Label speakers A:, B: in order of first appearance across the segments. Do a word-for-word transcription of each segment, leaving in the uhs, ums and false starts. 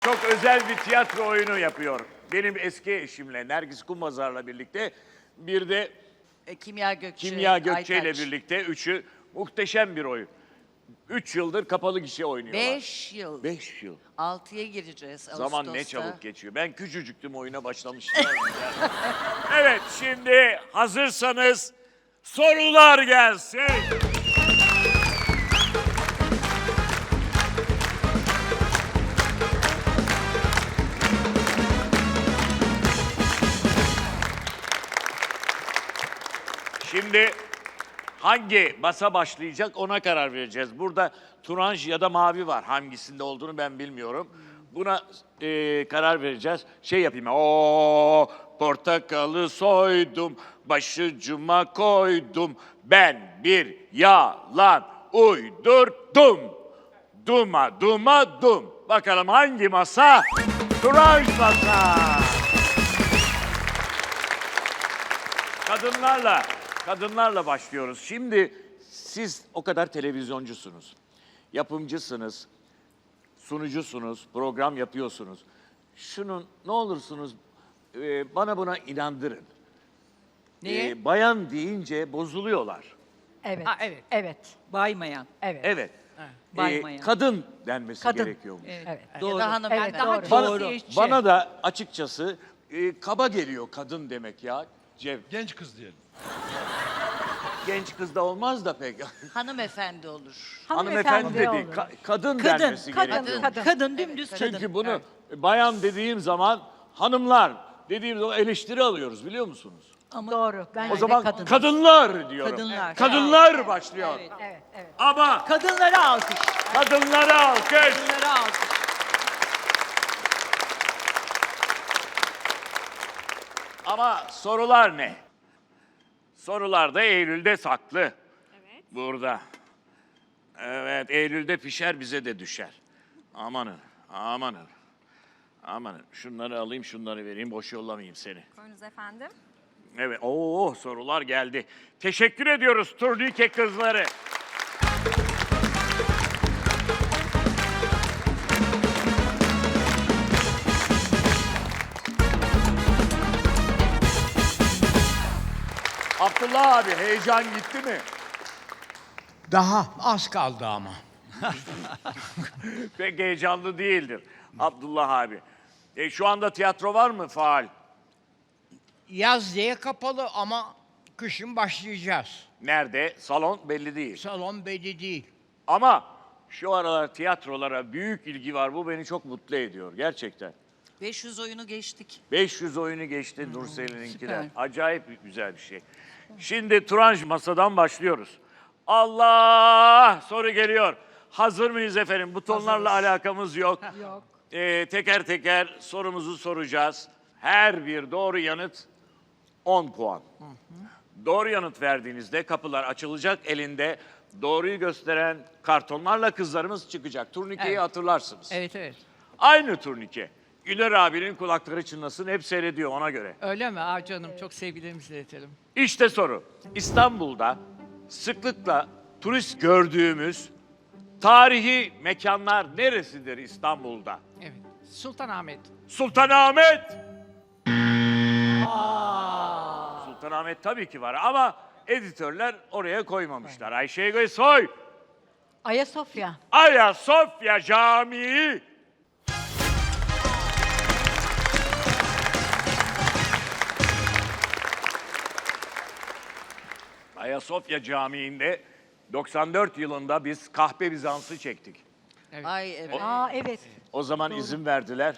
A: Çok özel bir tiyatro oyunu yapıyor. Benim eski eşimle, Nergis Kumbazar'la birlikte, bir de
B: E, Kimya Gökçe,
A: Kimya Gökçe ile
B: Aytaç.
A: birlikte üçü muhteşem bir oyun. Üç yıldır kapalı gişe oynuyorlar.
B: Beş yıl.
A: Beş yıl.
B: Altıya gireceğiz Ağustos'ta.
A: Zaman ne çabuk geçiyor. Ben küçücüktüm oyuna başlamıştım. Evet, şimdi hazırsanız sorular gelsin. Şimdi hangi masa başlayacak ona karar vereceğiz. Burada turanj ya da mavi var. Hangisinde olduğunu ben bilmiyorum. Buna e, karar vereceğiz. Şey yapayım. O portakalı soydum, başucuma koydum. Ben bir yalan uydurdum. Duma duma dum. Bakalım hangi masa? Turanj masa. Kadınlarla, kadınlarla başlıyoruz. Şimdi siz o kadar televizyoncusunuz, yapımcısınız, sunucusunuz, program yapıyorsunuz. Şunun ne olursunuz e, bana buna inandırın.
C: Neye?
A: E, bayan deyince bozuluyorlar.
D: Evet.
C: Ha, evet.
D: Evet.
C: Baymayan.
D: Evet.
A: Evet. E,
C: Baymayan.
A: kadın denmesi
D: Kadın.
A: gerekiyormuş.
C: Evet.
D: Evet.
C: Doğru.
B: Ya da hanımefendi.
D: Evet,
C: Daha
D: doğru.
A: Bana,
C: cinsiyetçi.
A: bana da açıkçası e, kaba geliyor kadın demek ya. Cev,
E: Genç kız diyelim.
A: genç kız da olmaz da pek.
B: Hanımefendi olur.
A: Hanımefendi dedi,
D: olur.
A: ka- kadın,
C: Kadın,
A: denmesi
D: kadın,
A: gerekiyor.
D: kadın.
C: Kadın dümdüz kadın.
A: Çünkü bunu
C: Evet.
A: bayan dediğim zaman hanımlar dediğim zaman eleştiri alıyoruz biliyor musunuz?
C: Ama
D: Doğru. Ben
A: O
D: de
A: zaman
D: kadın.
A: kadınlar diyorum.
C: Kadınlar.
A: Kadınlar başlıyor.
C: Evet.
D: Evet, evet.
A: Ama
C: Kadınlara alkış.
A: kadınlara alkış.
C: Kadınlara alkış.
A: Ama sorular ne? Sorular da Eylül'de saklı. Evet. Burada. Evet, Eylül'de pişer bize de düşer. Amanın, amanın. Amanın. Şunları alayım, şunları vereyim. Boş yollamayayım seni.
F: Buyurunuz efendim.
A: Evet, oo sorular geldi. Teşekkür ediyoruz turnike kızları. Abdullah abi heyecan gitti mi?
G: Daha az kaldı ama.
A: Pek heyecanlı değildir Abdullah abi. E, şu anda tiyatro var mı faal?
G: Yaz diye kapalı ama kışın başlayacağız.
A: Nerede? Salon belli değil.
G: Salon belli değil.
A: Ama şu aralar tiyatrolara büyük ilgi var. Bu beni çok mutlu ediyor gerçekten.
B: beş yüz oyunu geçtik.
A: beş yüz oyunu geçti Nursel'inkiler.
C: süper.
A: Acayip güzel bir şey. Şimdi Turanj masadan başlıyoruz. Allah! Soru geliyor. Hazır mıyız efendim? Butonlarla alakamız yok.
D: Yok.
A: Ee, teker teker sorumuzu soracağız. Her bir doğru yanıt on puan. Doğru yanıt verdiğinizde kapılar açılacak. Elinde doğruyu gösteren kartonlarla kızlarımız çıkacak. Turnikeyi
C: Evet.
A: hatırlarsınız.
C: Evet evet.
A: Aynı turnike. Güler abinin kulakları çınlasın, hep seyrediyor ona göre.
C: Öyle mi? Aa canım çok sevgilerimizi iletelim.
A: İşte soru. İstanbul'da sıklıkla turist gördüğümüz tarihi mekanlar neresidir İstanbul'da?
C: Evet. Sultanahmet.
A: Sultanahmet. Sultanahmet tabii ki var ama editörler oraya koymamışlar. Ayşe Soy,
D: Ayasofya.
A: Ayasofya Camii. Ayasofya Camii'nde doksan dört yılında biz Kahpe Bizans'ı çektik.
C: Evet.
B: Ay evet.
D: Aa evet.
A: O zaman izin verdiler.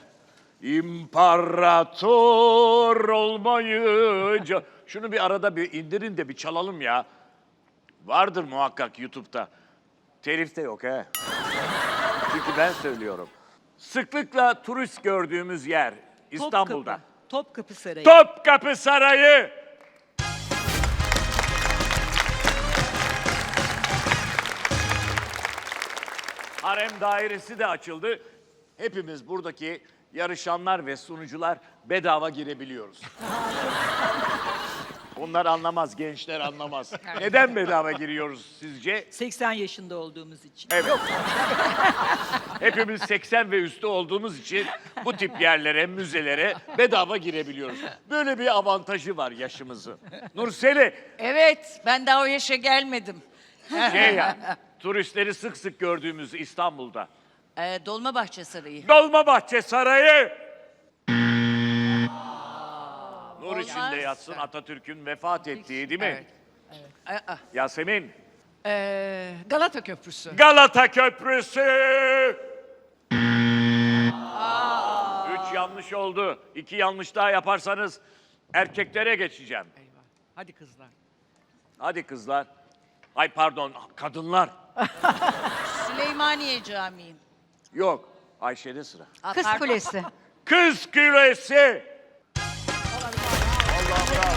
A: İmparator olmayınca... Şunu bir arada bir indirin de bir çalalım ya. Vardır muhakkak YouTube'da. Telif de yok he. Çünkü ben söylüyorum. Sıklıkla turist gördüğümüz yer İstanbul'da.
C: Topkapı, Topkapı Sarayı.
A: Topkapı Sarayı. Harem dairesi de açıldı. Hepimiz buradaki yarışanlar ve sunucular bedava girebiliyoruz. Onlar anlamaz, gençler anlamaz. Neden bedava giriyoruz sizce?
E: seksen yaşında olduğumuz için.
A: Evet. Hepimiz seksen ve üstü olduğumuz için bu tip yerlere, müzelere bedava girebiliyoruz. Böyle bir avantajı var yaşımızın. Nurseli,
B: Evet, ben daha o yaşa gelmedim.
A: şey ya, turistleri sık sık gördüğümüz İstanbul'da.
B: Ee, Dolmabahçe Sarayı.
A: Dolmabahçe Sarayı. Nur
B: Olmaz.
A: içinde yatsın Atatürk'ün vefat ettiği değil mi?
C: Evet.
B: Aa,
A: Yasemin,
C: Ee, Galata Köprüsü.
A: Galata Köprüsü. Üç yanlış oldu. İki yanlış daha yaparsanız erkeklere geçeceğim.
C: Eyvah. Hadi kızlar.
A: Hadi kızlar. Ay pardon, kadınlar.
B: Süleymaniye Camii.
A: Yok, Ayşe'de sıra.
B: Aa,
D: Kız
B: pardon.
D: Kulesi.
A: Kız Kulesi. Allah bravo.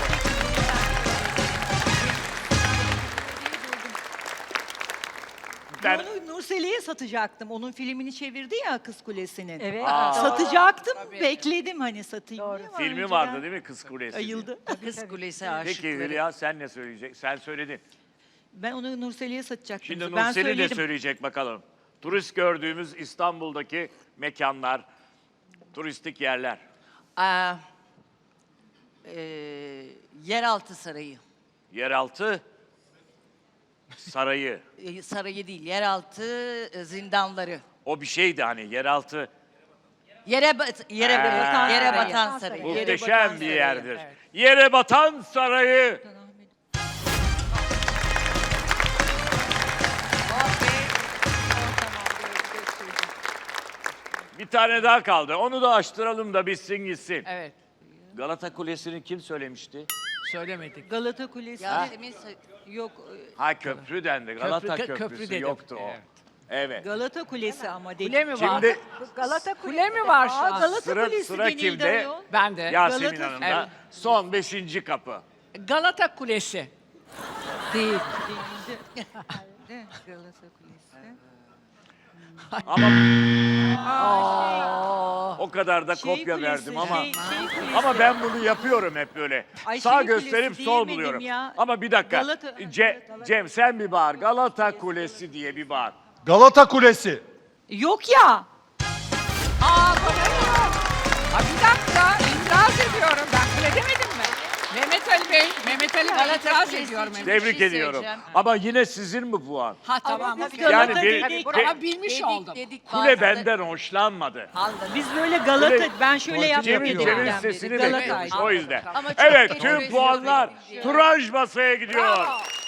A: Ben,
E: Onu Nurseli'ye satacaktım. Onun filmini çevirdi ya Kız Kulesi'nin.
D: Evet.
A: Aa.
E: Satacaktım. Bekledim hani satayım
D: Doğru.
E: diye ama
A: filmi
E: önceden
A: vardı değil mi Kız Kulesi?
E: Ayıldı.
B: Kız Kulesi aşıkları.
A: Peki Hülya sen ne söyleyecek? Sen söyledin.
E: Ben onu Nurseli'ye satacaktım.
A: Şimdi
E: ben
A: Nurseli de
E: söyledim.
A: söyleyecek bakalım. Turist gördüğümüz İstanbul'daki mekanlar, turistik yerler.
B: Aa, e, Yeraltı Sarayı.
A: Yeraltı sarayı.
B: E, sarayı değil, yeraltı e, zindanları.
A: O bir şeydi hani yeraltı.
B: Yere bat, yere,
A: Ha.
B: batan, yere
E: Sarayı.
B: batan sarayı.
E: Yere
A: Muhteşem
E: batan
A: bir
E: sarayı,
A: yerdir.
C: evet.
A: Yere batan sarayı. Bir tane daha kaldı. Onu da açtıralım da bitsin gitsin.
C: Evet.
A: Galata Kulesi'ni kim söylemişti?
C: Söylemedik.
E: Galata Kulesi.
B: Yasemin Sa-
E: Yok.
A: Ha köprü dendi. Galata
C: Köprü-
A: Köprüsü
C: köprü dedim.
A: yoktu o.
C: Evet.
A: Evet.
E: Galata Kulesi ama dedi.
C: Kule mi var?
A: Şimdi
D: Galata
C: Kule mi var şu
E: Aa,
C: an?
E: Galata
A: Sıra-
E: Kulesi
A: sıra
E: denildi
A: kimde?
E: ayol.
C: Ben de.
A: Yasemin
E: Galata-
A: Hanım da
C: Evet.
A: son beşinci kapı.
C: Galata Kulesi.
E: Değil. Değildi. Galata Kulesi.
A: Ama o kadar da
E: Şey
A: kopya
E: Kulesi,
A: verdim ama
E: şey- şey Kulesi.
A: ama ben bunu yapıyorum hep böyle.
E: Ay,
A: Sağ
E: şey
A: gösterip
E: Kulesi
A: sol
E: diyemedim
A: buluyorum.
E: ya.
A: Ama bir dakika.
E: Galata-
A: Ce- Cem sen bir bağır. Galata Kulesi diye bir bağır.
F: Galata Kulesi.
E: Yok ya.
C: Aa kule yok. Ha, bir dakika itiraz ediyorum. Ben kule demedim mi? Mehmet Ali Bey, Mehmet Ali Bey
B: Galata
C: itiraz
B: Kulesi
C: ediyorum.
B: için-
C: Mehmet.
A: Tebrik
B: Bir şey
A: ediyorum.
B: söyleyeceğim.
A: Ama yine sizin mi puan?
C: Ha tamam.
E: biz
C: okey.
E: Galata
A: Yani bir-
E: dedik.
A: bir-
C: Ama bilmiş
B: Dedik,
C: oldum.
B: dedik,
A: Kule
B: bazıları-
A: benden hoşlanmadı.
E: Biz böyle Galata,
A: Böyle-
E: ben şöyle yaptım
A: Cem'in
E: dedim.
A: Cem'in
E: ben
A: sesini
E: dedi.
A: bekliyormuş
E: Galata'ydı.
A: o yüzden.
B: Ama çok
A: Evet
B: geç
A: tüm
B: öyle
A: puanlar
B: söyledim.
A: Turanj masaya gidiyor.
C: Bravo.